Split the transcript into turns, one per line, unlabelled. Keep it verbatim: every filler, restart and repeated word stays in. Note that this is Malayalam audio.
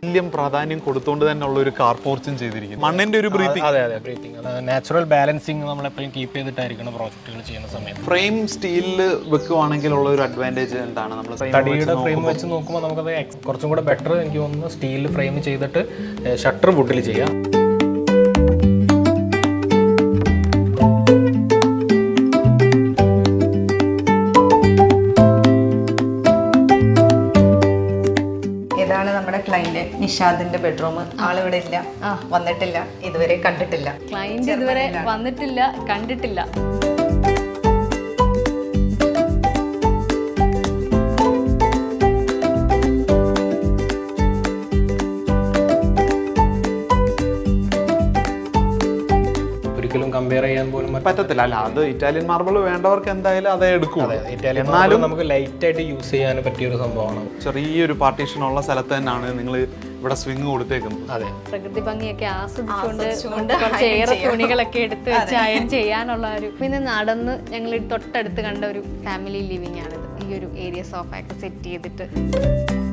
വലിയ പ്രാധാന്യം കൊടുത്തുകൊണ്ട് തന്നെ ഉള്ള ഒരു കാർ പോർച്ചും ചെയ്തിരിക്കുന്നു. മണ്ണിന്റെ ഒരു ബ്രീത്തിങ്.
അതെ അതെ ബ്രീത്തിങ്, നാച്ചുറൽ ബാലൻസിങ് നമ്മളെപ്പോഴും കീപ്പ് ചെയ്തിട്ടായിരിക്കണം പ്രോജക്റ്റുകൾ ചെയ്യുന്ന സമയത്ത്.
ഫ്രെയിം സ്റ്റീലിൽ വെക്കുവാണെങ്കിൽ ഉള്ള ഒരു അഡ്വാൻറ്റേജ് എന്താണ്? നമ്മൾ
തടിയുടെ ഫ്രെയിം വെച്ച് നോക്കുമ്പോൾ നമുക്കത് കുറച്ചും കൂടെ ബെറ്റർ എനിക്ക് തോന്നുന്നു സ്റ്റീലിൽ ഫ്രെയിം ചെയ്തിട്ട് ഷട്ടർ വുഡിൽ ചെയ്യാം.
ഇതാണ് നമ്മുടെ ക്ലൈന്റ് നിഷാദിന്റെ ബെഡ്റൂം. ആളിവിടെ ഇല്ല, വന്നിട്ടില്ല, ഇതുവരെ കണ്ടിട്ടില്ല.
ക്ലൈന്റ് ഇതുവരെ വന്നിട്ടില്ല, കണ്ടിട്ടില്ല.
ഒരിക്കലും കമ്പയർ ചെയ്യാൻ പോലും
പറ്റത്തില്ല. അല്ല, അത് ഇറ്റാലിയൻ മാർബിൾ വേണ്ടവർക്ക് എന്തായാലും അതേ എടുക്കും.
ഇറ്റാലിയൻ മാർബിൾ നമുക്ക് ലൈറ്റ് ആയിട്ട് യൂസ് ചെയ്യാൻ പറ്റിയ ഒരു സംഭവമാണ്.
ചെറിയൊരു പാർട്ടീഷൻ ഉള്ള സ്ഥലത്ത് തന്നെയാണ് നിങ്ങൾ ഇവിടെ സ്വിംഗ് കൊടുത്തേക്കുന്നത്.
അതെ,
പ്രകൃതി ഭംഗിയൊക്കെ ആസ്വദിച്ചുകൊണ്ട് കുറച്ചേറെ തുണികളൊക്കെ എടുത്ത് വെച്ച് അയൺ ചെയ്യാനുള്ള ഒരു, പിന്നെ നടന്ന് ഞങ്ങൾ തൊട്ടടുത്ത് കണ്ട ഒരു ഫാമിലി ലിവിംഗ് ആണിത്. ഈ ഒരു ഏരിയ സോഫയൊക്കെ സെറ്റ് ചെയ്തിട്ട്